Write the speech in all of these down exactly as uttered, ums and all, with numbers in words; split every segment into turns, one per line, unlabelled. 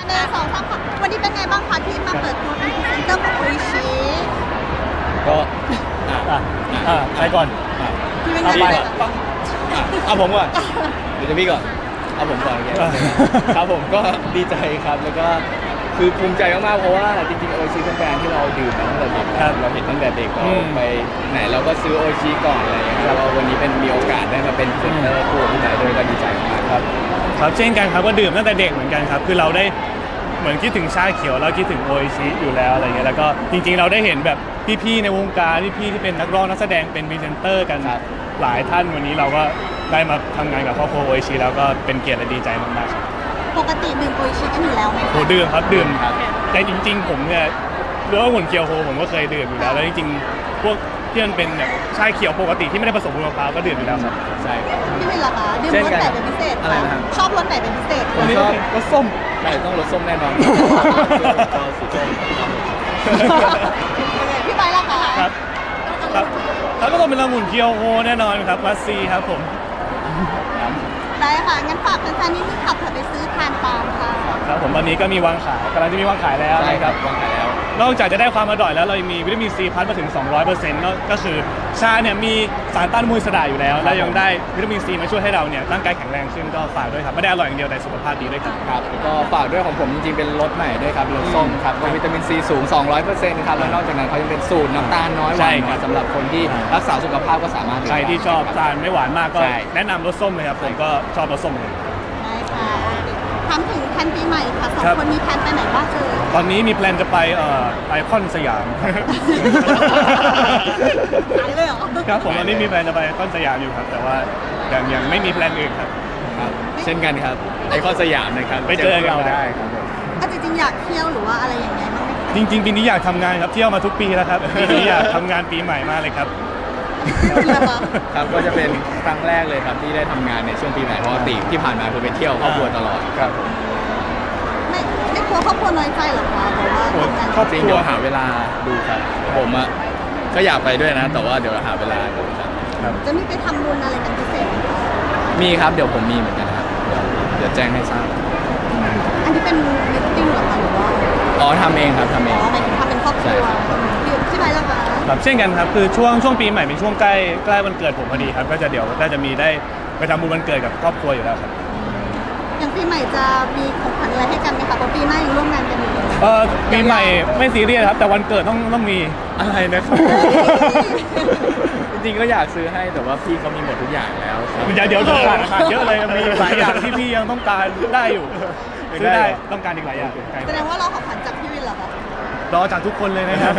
หนึ่งสองสามค่ะวันนี้เป็นไงบ้างคะที่มาเปิดตัวเป็นพรีเซนเตอร์ของโออิชิ
ก็อ่ะอ่ะอ่ะใครก่อนอ่ะ
ที่เป็น
เอา
ไง
ไป
บ้าง
อ่ะเอาผมก่อนเดี๋ยวจะพี่ก่อนเอาผมก่อนโอเคครับผมก็ดีใจครับแล้วก็คือภูมิใจมากๆเพราะว่าจริงๆโอชิเป็นแบรนด์ที่เราดื่มมาตั้งแต่เด็กครับเราเห็นตั้งแต่เด็กเราไปไหนเราก็ซื้อโอชิก่อนอะไรอย่างเงี้ยแล้ววันนี้เป็นมีโอกาสได้มาเป็นพรีเซนเตอร์คู่ที่ไหนด้วยก็ดีใจมากครับ
ครับเช่นกันครับก็ดื่มตั้งแต่เด็กเหมือนกันครับคือเราได้เหมือนคิดถึงชาเขียวเราคิดถึงโออิชิอยู่แล้วอะไรเงี้ยแล้วก็จริงๆเราได้เห็นแบบพี่ๆในวงการพี่ๆที่เป็นนักร้องนักแสดงเป็นพรีเซนเตอร์กันหลายท่านวันนี้เราก็ได้มาทำงานกับครอบครัวโออิชิแล้วก็เป็นเกียรติและดีใจมากๆครับ
ปกติดื่มโออิชิกันอยู่แล้วไหม
โหดื่มครับดื่มแต่จริงๆผมเนี่ยเรื่องหุ่นเคียวโฮผมก็เคยดื่มอยู่แล้วแล้วจริงๆพวกที่มันเป็นแบบชาเขียวปกติที่ไม่ได้ผสมมะพร้าวก็ดื่มอยู่แล้วครับ
ใช่ครับ
พี่วินล่ะคะดื่มรสไหนเป็นพิเศษ
อะไรนะครับ
ชอบรสไหนเป็นพิเศษ
ผมชอบรสส้มใช่ต้องรสส้มแน่นอนก็สีส้ม
พี่ไปล่ะคะ
ครับครับแล้วก็ต้องเป็นละมุนเคียวโฮแน่นอนครับมัสซีครับผม
ได้ค่ะงั้นฝากแฟนๆนิดนึงขับเถอะไปซื้อทานปาล์มค่ะ
ครับผมตอนนี้ก็มีวางขายกำลังจะมีวางขายแล้ว
ใช่ครับวางขายแล้ว
นอกจากจะได้ความอร่อยแล้วเรายังมีวิตามินซีพัดมาถึง สองร้อยเปอร์เซ็นต์ ก็คือชาเนี่ยมีสารต้านอนุมูลอิสระอยู่แล้วแล้วยังได้วิตามินซีมาช่วยให้เราเนี่ยร่างกายแข็งแรงขึ้นก็ฝากด้วยครับไม่ได้อร่อยอย่างเดียวแต่สุขภาพดีด้วยครับ
ครับก็ฝากด้วยของผมจริงๆเป็นรสใหม่ด้วยครับรสส้มครับวิตามินซีสูง สองร้อยเปอร์เซ็นต์ ครับแล้วนอกจากนั้นเขายังเป็นสูตรน้ำตาลน้อยหวานน้อยสำหรับคนที่รักษาสุขภาพก็สามารถ
ใครที่ชอบทานไม่หวานมากก็แนะนำรสส้มเลยครับผมก็ชอบรสส้มเลย
ได้ค่ะถามถึงแผนปีใหม่ค่ะสองคนมีแผนไปไหนบ้างเอ่ย
ตอนนี้มีแพลนจะไปเอ่อไอคอนสยาม
ไปเลยเหรอ
ครับผมตอนนี้มีแพลนจะไปไอคอนสยามอยู่ครับแต่ว่ายังยังไม่มีแพลนอื่นครับ
ครับเช่นกันครับไอคอนสยามนะครับ
ไปเจอเราได้
ครับ
ผมจริงๆอยากเที่ยวหรือว่าอะไรอย่างเงี้ยบ้างไหม
จริงๆปีนี้อยากทำงานครับเที่ยวมาทุกปีแล้วครับปีนี้อยากทำงานปีใหม่มากเลยครับ
ครับก็จะเป็นครั้งแรกเลยครับที่ได้ทำงานในช่วงปีใหม่เพราะติที่ผ่านมาคือไปเที่ยวครอบครัวตลอดครับ
ไม่ไม่กลัวครอบครัวน้อยใจหรอคะแต่ว่าทำงาน
ครอบครัวเดี๋ยวหาเวลาดูครับผมอ่ะก็อยากไปด้วยนะแต่ว่าเดี๋ยวหาเวลาดูครับ
จะมีไปทำบุญอะไรกันพิเศษ
มีครับเดี๋ยวผมมีเหมือนกันครับเดี๋ยวแจ้งให้ทราบ
อันนี้เป็นมิทติ้งหรอคะหรือว่า
อ๋อทำเองครับทำเอง
อ๋อหมายถึงทำเป็นครอบครัวอยู่ที่ไหนแล้วคะ
ครับเช่นกันครับคือช่วงช่วงปีใหม่เป็นช่วงใกล้ใกล้วันเกิดผมพอดีครับก็จะเดี๋ยวก็จะมีได้ไปทำบุญวันเกิดกับครอบครัวอยู่แล้วครับ
อย่างปีใหม่จะมีของขวัญอะไรให้กันไหมคะเพราะปีหน้ายังร่วมงานกันอยู่
เออปีใหม่ไม่ซีเรียสครับแต่วันเกิดต้องต้องมีอะไรนะครับ
จริงๆก็อยากซื้อให้แต่ว่าพี่เขามีหมดทุกอย่างแล้ว
เดี๋ยวเดี๋ยวต้องการเยอะเลยมีหลายอย่างที่พี่ยังต้องการได้อยู่ซื้อได้ต้องการอีกหลายอย่าง
แสดงว่าเราของขวัญจากพี่วินเหรอคะ
รอจากทุกคนเลยนะครับ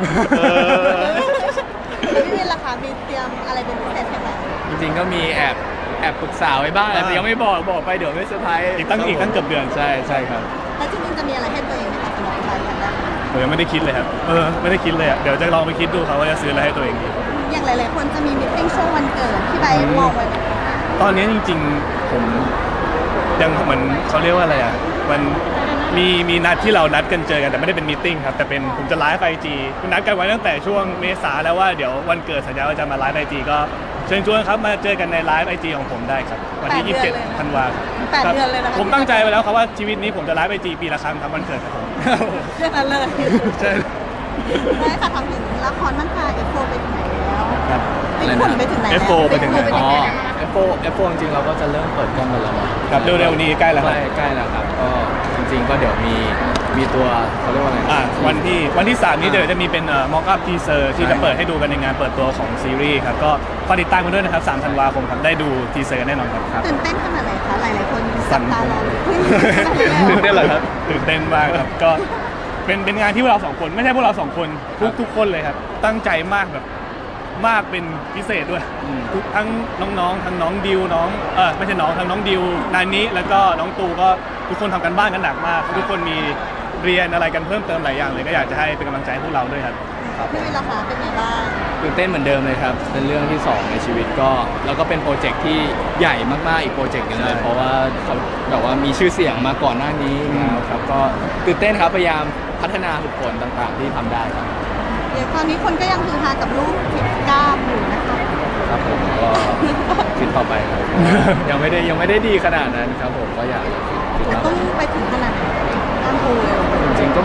แล้วพี่วินล่ะคะมีเตรียมอะไรเป็นพิเศษไหม
จริงๆก็มีแอบแอบปรึกษาไว้บ้างแต่ยังไม่บอกบอกไปเดี๋ยวไม่เซอร์ไพรส์
อีกตั้งอีกตั้งเกือบเดือน
ใช่ใช่ครับ
แล้วจริงๆจะมีอะไรให้ตัวเองไหมคะสำหรับรายการแรก
ผมยังไม่ได้คิดเลยครับเออไม่ได้คิดเลยอ่ะเดี๋ยวจะลองไปคิดดูครับว่าจะซื้ออะไรให้ตัวเองดี
อย่างหลายๆคนจะมีมิทติ้งช่วงวันเกิดที่ใบมองไว้ไหม
ตอนนี้จริงๆผมยังเหมือนเขาเรียกว่าอะไรอ่ะมันมีมีนัดที่เรานัดกันเจอกันแต่ไม่ได้เป็นมีตติ้งครับแต่เป็นผมจะไลฟ์ไอจีนัดกันไว้ตั้งแต่ช่วงเมษาแล้วว่าเดี๋ยววันเกิดสัญญาว่าจะมาไลฟ์ไอจีก็เชิญชวนครับมาเจอกันในไลฟ์ไอจีของผมได้ครับวันที่ยี่สิบเจ็ดธันวาคม
แปดเดือนเลยนะ
ผมตั้งใจไว้แล้วครับว่าชีวิตนี้ผมจะไลฟ์ไอจีปีละครั้งครับวันเกิดครับผม
เรื่องนั้นเลย
ใช่
ได้ค่ะทำถึงละครมั่นคาเอฟโฟไปถึงไหนแล้ว
ครับ
ไปถึงไปถึงไหนแล้ว
เอฟโฟไปถึงไหน
อ๋อเอฟโฟเอฟโฟจริงๆเราก็จะเริ่มเปิดกล้องกันแล้ว
ครับเร็วๆนี้ใกล้แล้วครับ
ใกล้แล้วครับก็จริงๆก็เดี๋ยวมีมีตัวเขาเรียกว่าอะไร
อ่าวันที่วันที่สามนี้เดี๋ยวจะมีเป็นเอ่อม็อกอัพทีเซอร์ที่จะเปิดให้ดูกันในงานเปิดตัวของซีรีส์ครับก็ฝากติดตามกันด้วยนะครับสามธันวาคมครับได้ดูทีเซอร์แน่นอนครับ
ตื่นเต้นขนาดไหนคะหลายๆคนจับตารอ
ตื่นเต้นเหรอครับตื่นเต้นมากครับก็เป็นเป็นงานที่พวกเราสองคนไม่ใช่พวกเราสองคนทุกทุกคนเลยครับตั้งใจมากแบบมากเป็นพิเศษด้วยทุกทั้งน้องๆทั้งน้องดิวน้องเออไม่ใช่น้องทั้งน้องดิวนานิแล้วก็น้องตูก็ทุกคนทำกันบ้านกันหนักมากทุกคนมีเรียนอะไรกันเพิ่มเติมหลายอย่างเลยก็อยากจะให้เป็นกำลังใจให้พวกเราด้วยครับ
พี่วินล่ะคะเป็นไงบ้าง
ตื่นเต้นเหมือนเดิมเลยครับเป็นเรื่องที่สองในชีวิตก็แล้วก็เป็นโปรเจกต์ที่ใหญ่มากๆอีกโปรเจกต์นึงเลยเพราะว่าเขาแบบว่ามีชื่อเสียงมาก่อนหน้านี้แล้วครับก็ตื่นเต้นครับพยายามพัฒนาฝึกฝนต่างๆที่ทำได้ครับ
เดี๋ยวตอนนี้คนก็ยังคือฮากับลูกทิดกล้ามอยู่นะคะ
ครับผมก็คิดต่อไปครับยังไม่ได้ยังไม่ได้ดีขนาดนั้นครับผมก็อยาก
จะต้องไปถึงขนาดไหน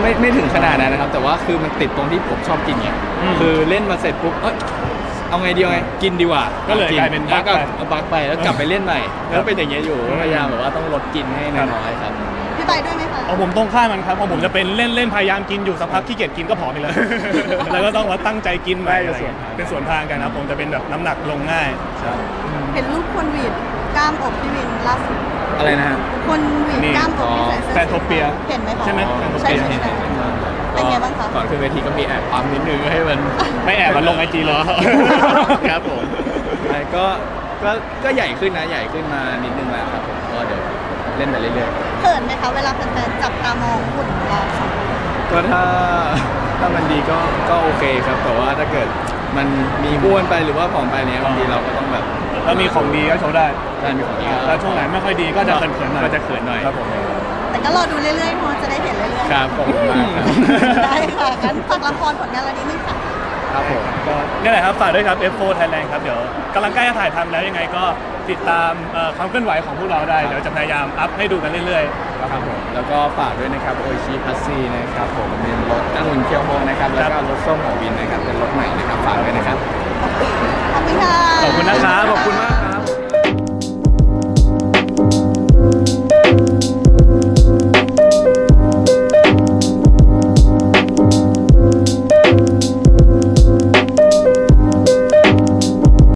ไม่ไม่ถึงขนาดนั้นนะครับ แต่ว่าคือมันติดตรงที่ผมชอบกินไง
อืม
คือเล่นมาเสร็จปุ๊บเอ้ยเอาไงดีเอาไงกินดีกว่า
ก็เลยกลายเป็นบั๊ก
ก็
ไป
บักไปแล้วกลับไปเล่นใหม่
ครับ
แล้วเป็นอย่างเงี้ยอยู่
อืม
พยายามแบบว่าต้องลดกินให้
ครับ
น้อยๆครับ
พี่ไปด้วยไหมคะ
เอาผมตรงข้ามมันครับของผมจะเป็นเล่นเล่นพยายามกินอยู่สักพักขี้เกียจกินก็ผอมไปเลย แล้วก็ต้องมาตั้งใจกินใหม่
ได้
อะไร
เป็น
เงี้ย
ส่วนทาง
เป็นส่วนทางกันครับผมจะเป็นแบบน้ำหนักลงง่าย
ครับ
เห็นรูปคนหวีดกล้ามอกพี่วินล่าสุด
อะไรนะฮะ
คนหวีด
นี่
กล้ามอกที่ใส่เสื้อ
แฟนโทเปีย
เห็นไหมคะ
ใช่ไหมแฟนโท
ใช่
เปีย
ใช่ใช่เป็นไงบ้างคะ
ก่อนขึ้นเวทีก็มีแอบปั๊มนิดนึงให้มัน
ไม่แอบมาลงไอจีหรอ
ครับผมใช่ก็ก็ก็ใหญ่ขึ้นนะใหญ่ขึ้นมานิดนึงแล้วครับผมก็เดี๋ยวเล่นไปเรื่อย
เขินไหมคะเวลาแฟนๆจับตามองหุ่นเราสองคน
ๆก็ถ้าถ้ามันดีก็ก็โอเคครับแต่ว่าถ้าเกิดมันมีอ้วนไปหรือว่าผอมไปเนี้ยบางทีเราก็ต้องแบบ
แล้วมีของดีก็โชว์ได้
ได้มีของดีก็
แล้วช่วงไหนไม่ค่อยดีก็จะเขินๆหน่อย
ก็จะเขินหน่อย
ครับผม
แต่ก็รอดูเรื่อยๆเพราะจะได้เห็นเรื่อยๆ
ครับขอบคุณมากครับ
ได้ค่ะงั้นฝากละครผลงานวันนี้นึงค่ะ
ครับผม
ก็นี่แหละครับฝากด้วยครับ เอฟ โฟร์ Thailand ครับเดี๋ยวกำลังใกล้จะถ่ายทำแล้วยังไงก็ติดตามเอ่อความเคลื่อนไหวของพวกเราได้เดี๋ยวจะพยายามอัพให้ดูกันเรื่อยๆ
ครับผมแล้วก็ฝากด้วยนะครับโอชิพัซซี่นะครับผมเป็นรถองุ่นเคียวโฮนะครับแล้วก็รถส้มของวินนะครับเป็นรถใหม่นะครับฝากด้วยนะครับ
ขอบคุณค่ะ
ขอบคุณนะครับ ขอบคุณมาก